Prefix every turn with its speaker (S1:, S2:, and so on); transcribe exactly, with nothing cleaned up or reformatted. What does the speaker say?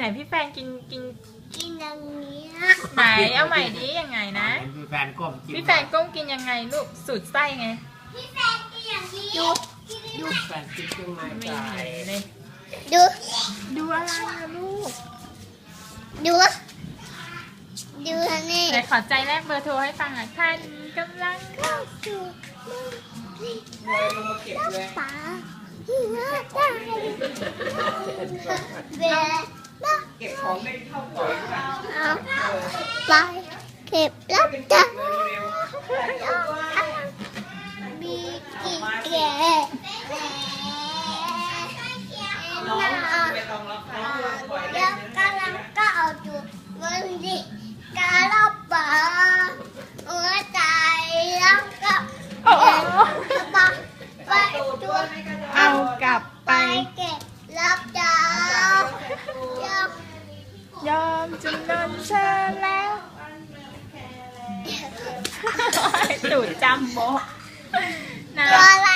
S1: ไหนพี่แฟนกินกิน
S2: กินอย่างนี้
S1: ไหนเอาใหม่ดิยังไงนะ
S3: พี่แฟนก้มกิน
S1: พี่แฟนก้มกินยังไงลูกสูตรไส้ไง
S2: พี่แฟนกินอย่างนี้ดู
S3: ดูแฟนกินเครื่องใน
S1: ไม่
S3: ใจ
S1: เห็นเลย
S2: ดู
S1: ดูอะไรนะลูก
S2: ดูดูนี่
S1: ไหนขอใจแรกเบอร์โทรให้ฟังหน่อยท่านกำลังเข้า
S2: ดูมือ
S3: เลยลงมาเก็บเลย
S2: ป๋าหัวใจเบล
S3: เก็บของได้เท่าก่อนค่ะ
S2: เอาไปเก็บแล้วจ้ะมีกี่แก่แล้วกำลังก็เอาจุดมันดิกาลป๋าหัวใจแล้วก็
S1: โอ้โห
S2: ไปตัว
S1: เอากลับไป
S2: ไปเก็บรับจ้าจ้าย
S1: อมจำนนเธอแล้วตูดจำโบนะ
S2: ตัวอะไร